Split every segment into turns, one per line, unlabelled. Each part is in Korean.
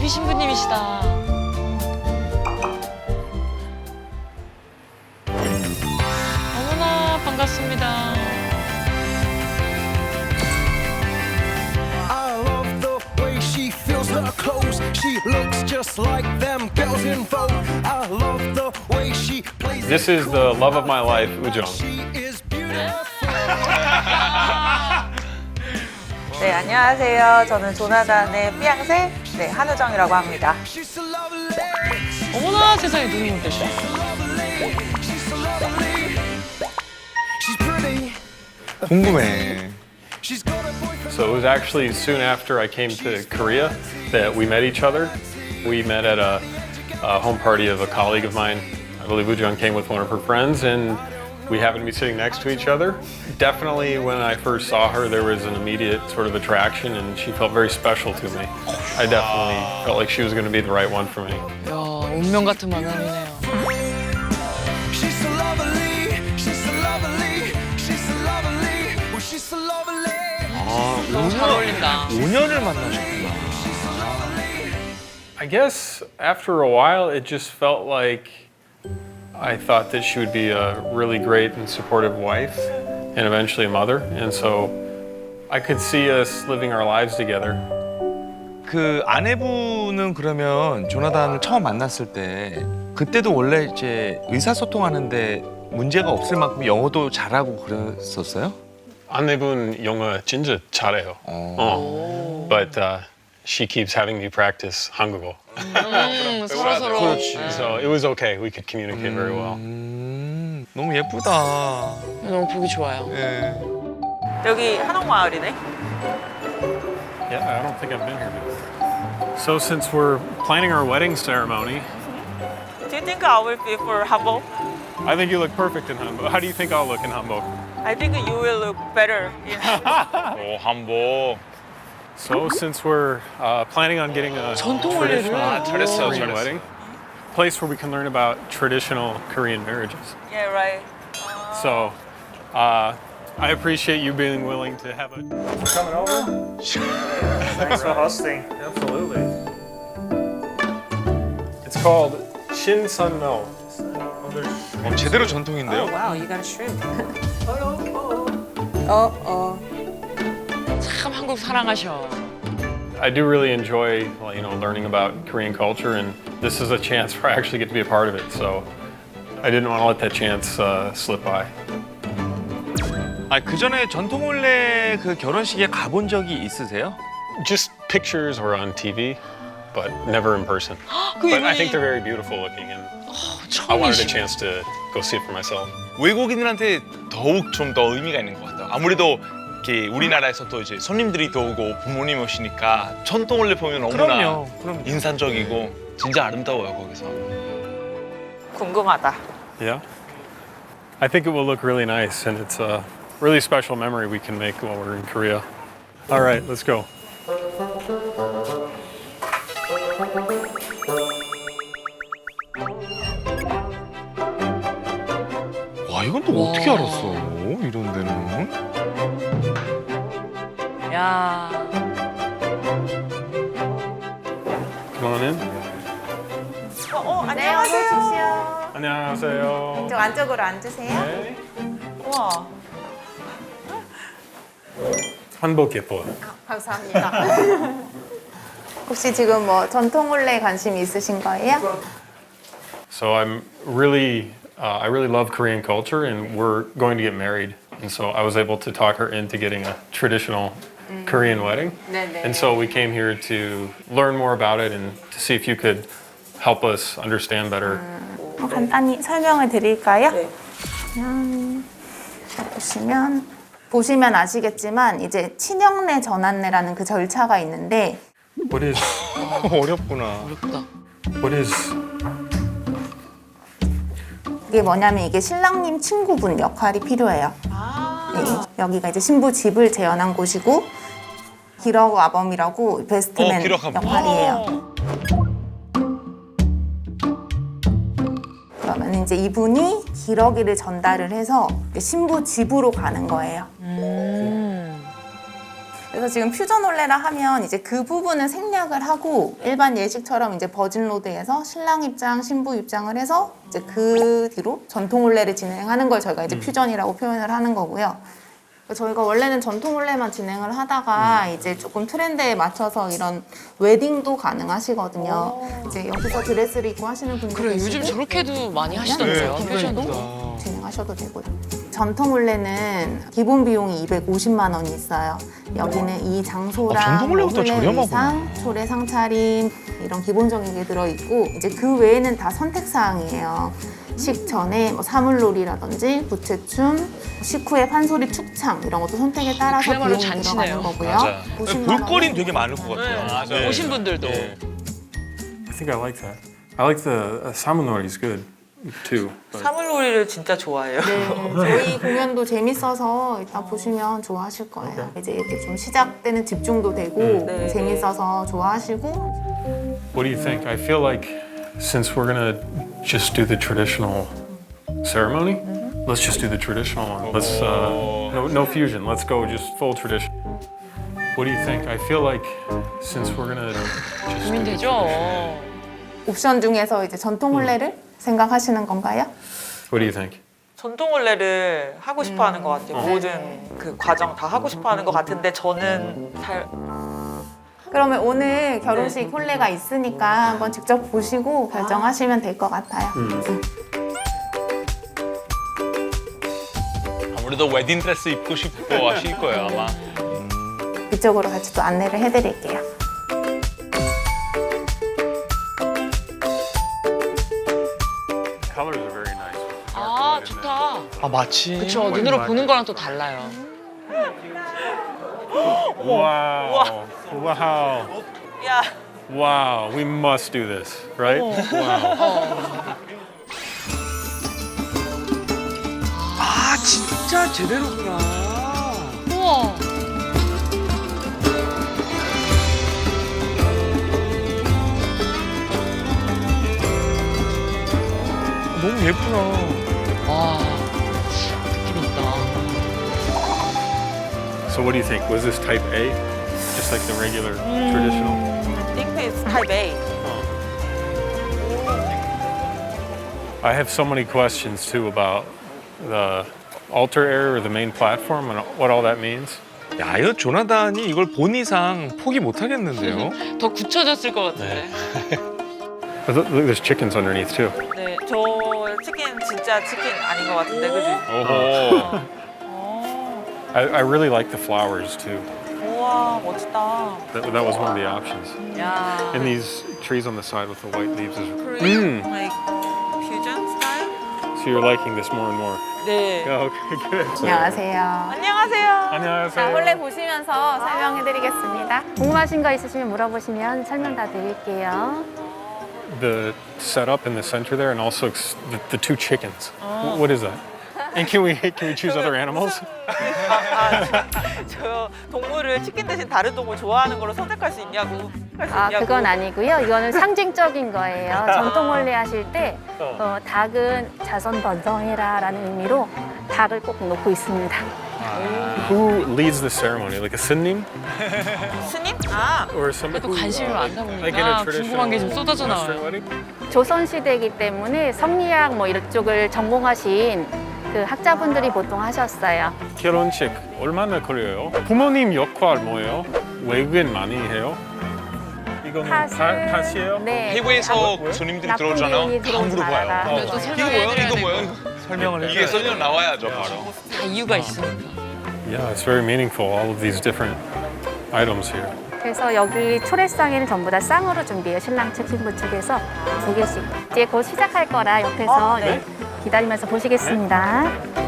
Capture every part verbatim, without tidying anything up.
예비 신부님이시다. 어머나 반갑습니다.
I love the way she feels her clothes. She looks just like them girls in Vogue. I love the way she plays.
This is the love of my life, Ujong.
She is beautiful.
네, 안녕하세요. 저는 조나단의 삐앙새 네, 한우정이라고 합니다.
She's so lovely.
어머나 세상에 눈이 오셨어.
She's so lovely. She's pretty.
궁금해.
She's got a boyfriend.
So it was actually soon after I came to Korea that we met each other. We met at a, a home party of a colleague of mine. I believe Ujong came with one of her friends, and we happened to be sitting next to each other. Definitely when I first saw her, there was an immediate sort of attraction, and she felt very special to me. I definitely felt like she was going to be the right one for me.
야 운명 같은 만남이네요.
She's so lovely. She's so lovely. She's so lovely. Oh, she's so lovely.
아,
너무 잘 어울린다.
오 년을 만나셨구나.
I guess after a while, it just felt like I thought that she would be a really great and supportive wife and eventually a mother. And so I could see us living our lives together.
그 아내분은 그러면 조나단을 처음 만났을 때 그때도 원래 이제 의사소통하는데 문제가 없을 만큼 영어도 잘하고 그랬었어요?
아내분 영어 진짜 잘해요. 어. But uh, she keeps having me practice 한국어.
음, 서로 서로.
그렇지.
So it was okay. We could communicate very well.
음, 너무 예쁘다.
너무 보기 좋아요.
예.
여기 한옥마을이네.
Yeah, I don't think I've been here before. So since we're planning our wedding ceremony,
Do you think I will be for Hamburg?
I think you look perfect in Hamburg. How do you think I'll look in Hamburg?
I think you will look better in Hamburg.
오, 한복.
So since we're uh, planning on getting a
전통
traditional
원래는.
잘했어,
Korean
잘했어.
wedding, place where we can learn about traditional Korean marriages.
Yeah, right.
So uh, I appreciate you being willing to have a.
Coming over? Thanks for hosting.
Absolutely. It's called Shin Sun No.
어, 제대로 전통인데요?
Wow, you got a shrimp. 어, 어.
참 한국 사랑하셔.
I do really enjoy, you know, learning about Korean culture, and this is a chance where I actually get to be a part of it. So I didn't want to let that chance uh, slip by.
아, 그 전에 전통혼례 그 결혼식에 가본 적이 있으세요?
Just pictures or on T V, but never in person.
그
But I think
이분이
they're very beautiful looking, and I wanted a
처음이시.
chance to go see it for myself.
외국인들한테 더욱 좀 더 의미가 있는 것 같아요. 아무래도 이렇게 우리나라에서 또 이제 손님들이 또 오고 부모님 오시니까 전통혼례 보면 너무나
그럼요, 그럼요.
인상적이고 진짜 아름다워요 거기서.
궁금하다.
Yeah. I think it will look really nice, and it's a really special memory we can make while we're in Korea. All right, let's go.
와, 이건 또 어떻게 알았어? 이런 데는?
야.
Come on in.
어, 어 안녕하세요.
안녕하세요.
저 안쪽으로 앉으세요.
네.
우와,
한복 예뻐요.
감사합니다. 혹시 지금 뭐 전통혼례 관심 있으신 거예요?
So I'm really, uh, I really love Korean culture, and we're going to get married. And so I was able to talk her into getting a traditional Korean wedding.
네네.
And so we came here to learn more about it and to see if you could help us understand better.
어, 간단히 설명을 드릴까요?
네.
음, 자, 보시면 보시면 아시겠지만 이제 친형내 전환례라는 그 절차가 있는데
What is,
어렵구나.
어렵다.
what is,
이게 뭐냐면 이게 신랑님 친구분 역할이 필요해요. 네, 여기가 이제 신부 집을 재현한 곳이고 기러그 아범이라고 베스트맨
어, 기러그 아범.
역할이에요. 그러면 이제 이분이 기러기를 전달을 해서 신부 집으로 가는 거예요. 그래서 지금 퓨전 올레라 하면 이제 그 부분은 생략을 하고 일반 예식처럼 이제 버진 로드에서 신랑 입장, 신부 입장을 해서 이제 그 뒤로 전통 올레를 진행하는 걸 저희가 이제 퓨전이라고 표현을 하는 거고요. 저희가 원래는 전통 올레만 진행을 하다가 이제 조금 트렌드에 맞춰서 이런 웨딩도 가능하시거든요. 이제 여기서 드레스를 입고 하시는 분들
그래
계시고
요즘 저렇게도 많이 하시던데요.
네,
패션도.
진행하셔도 되고요. 전통 올레는 기본 비용이 이백오십만 원이 있어요. 여기는 이
아,
장소랑
전통 올레부터
올레
저렴하구나.
의상, 초래 상차림 이런 기본적인 게 들어있고 이제 그 외에는 다 선택 사항이에요. 식전에 뭐 사물놀이라든지 부채춤, 식후에 판소리 축창 이런 것도 선택에 따라서
그야말로
비용이
잔치네요.
들어가는 거고요.
맞아요.
오십만 원은
볼거리는 되게 많을 것 같아요.
맞아요.
네.
오신 분들도.
네.
I think I like that. I like the uh, samunori is good too. but-
사물놀이를 진짜 좋아해요.
네, 저희 공연도 재밌어서 이따 보시면 좋아하실 거예요. 이제 이렇게 좀 시작되는 집중도 되고
네.
재밌어서 좋아하시고
What do you think? I feel like since we're gonna just do the traditional ceremony, let's just do the traditional one. Let's uh, no no fusion. Let's go just full tradition. What do you think? I feel like since we're gonna just do the
고민되죠.
traditional-
옵션 중에서 이제 전통 혼례를 생각하시는 건가요?
What do you think?
전통 올레를 하고 싶어 하는 것 같아요. 모든 그 과정 다 하고 싶어 하는 것 같은데 저는 잘
그러면 오늘 결혼식 혼례가 있으니까 한번 직접 보시고 결정하시면 될 것 같아요. 응.
아무래도 웨딩 드레스 입고 싶고 하실 거예요 아마.
이쪽으로 같이 또 안내를 해드릴게요.
Colors are very nice.
아 좋다.
아 마치
그렇죠. 눈으로 보는 거랑 또 달라요.
Wow! Wow!
야
Wow! We must do this, right? Wow!
아 진짜 제대로구나.
우와.
너무 예쁘다.
와 느낌 있다.
So what do you think? Was this type A? Just like the regular traditional?
I think it's type A.
I have so many questions too about the altar area or the main platform and what all that means.
야, 이거 조나단이 이걸 본 이상 포기 못 하겠는데요.
더 굳혀졌을 것 같은데.
But look, look, there's chickens underneath too.
네, 저 치킨 진짜 치킨 아닌 것 같은데 그지?
오호.
I, I really like the flowers too.
우와 멋지다.
That, that was one of the options.
야.
And these trees on the side with the white leaves is.
Korean
Mm.
like fusion style?
So you're liking this more and more.
네.
Yeah, okay, good.
안녕하세요.
안녕하세요.
안녕하세요.
자, 혼례 보시면서 설명해드리겠습니다.
궁금하신 거 있으시면 물어보시면 설명 다 드릴게요.
The setup in the center there, and also ex- the, the two chickens. Wh- What is that? And can we can we choose other animals?
아, 저 동물을 치킨 대신 다른 동물 좋아하는 걸로 선택할 수 있냐고. 할 수
아,
있냐고.
그건 아니고요. 이거는 상징적인 거예요. 전통 혼례 하실 때 어, 닭은 자손 번성해라라는 의미로 닭을 꼭 놓고 있습니다.
Who leads the ceremony? Like a sınnim
스님? 아,
or somebody?
또 관심이 많다
Like in a
보니까 궁금한 게 좀 쏟아져
Western
나와요.
wedding?
조선 시대이기 때문에 성리학 뭐 이런 쪽을 전공하신 그 학자분들이 보통 하셨어요.
결혼식 얼마나 걸려요? 부모님 역할 뭐예요? 외국인 많이 해요? 이거는
팥을
파- 팥이에요?
네.
해외에서
뭐예요?
손님들이
나쁜
들어오잖아요.
기운이
다
들어오지
물어봐요.
말아라.
어,
또
이거
설명해드려야
뭐야? 이거 뭐야?
되고.
설명을
이게
해줘요.
설명 나와야죠 바로.
다 이유가 있으니까.
Yeah, it's very meaningful. All of these different items here.
그래서 여기 초래상에는 전부 다 쌍으로 준비해요. 신랑 측, 신부 측에서 두 개씩. 이제 곧 시작할 거라 옆에서
어, 네.
기다리면서 보시겠습니다.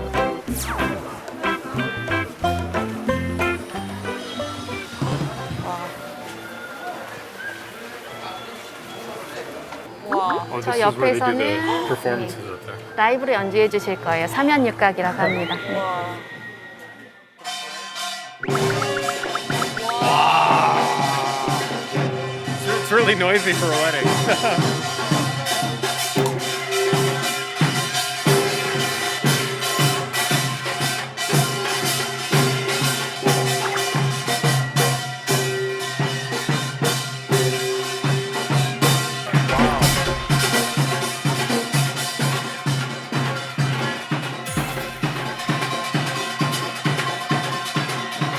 와.
Oh,
저
this is where they do the
옆에서는
performances up there.
라이브로 연주해 주실 거예요. 삼연육각이라고 합니다. 네.
It's really noisy for a wedding.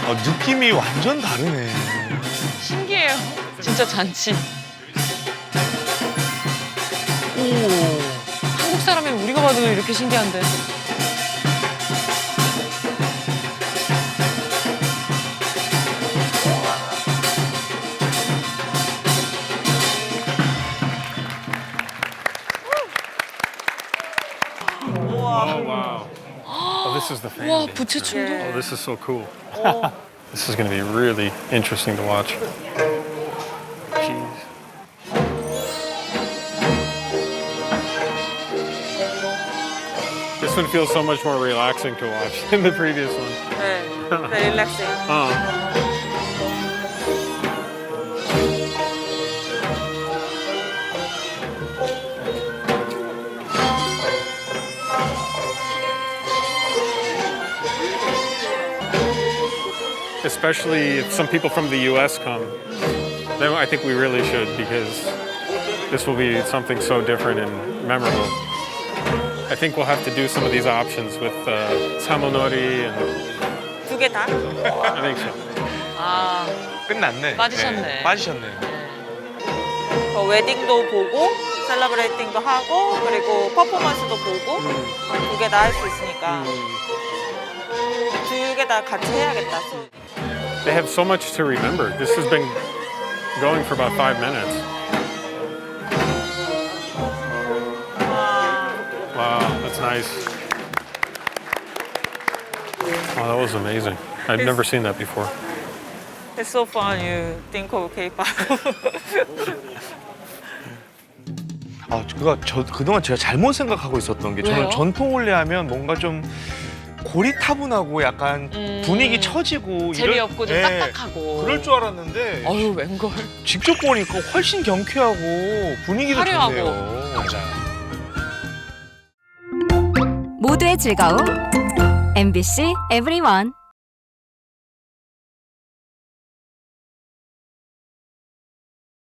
어, 느낌이 완전 다르네.
신기해요. 진짜 잔치. 한국 사람이면 우리가 봐도 이렇게 신기한데.
Oh wow. Oh, this is the fan.
와,
dance.
부채춤도.
Oh, this is so cool. This is going to be really interesting to watch. Jeez. This one feels so much more relaxing to watch than the previous one.
네, 네 릴렉싱.
Uh. Especially if some people from the U S come, then I think we really should because this will be something so different and memorable. I think we'll have to do some of these options with uh, samonori and
두 개 다?
I think so.
아,
끝났네.
빠지셨네.
네, 빠지셨네.
어, 웨딩도 보고 셀러브레이팅도 하고 그리고 퍼포먼스도 보고 두 개 다 할 수 있으니까 두 개 다 같이 해야겠다.
They have so much to remember. This has been going for about five minutes. Wow, that's nice. Wow, that was amazing. I've never seen that before.
It's so fun you think of K-pop.
아, 그가 저 그동안 제가 잘못 생각하고 있었던 게 저는
왜요?
전통 홀레 하면 뭔가 좀 고리타분하고 약간
음,
분위기 처지고
재미없고 좀
예,
딱딱하고.
그럴 줄 알았는데
어휴, 웬걸.
직접 보니까 훨씬 경쾌하고 분위기도
화려하고.
좋네요.
맞아요.
모두의 즐거움 엠비씨 에브리원.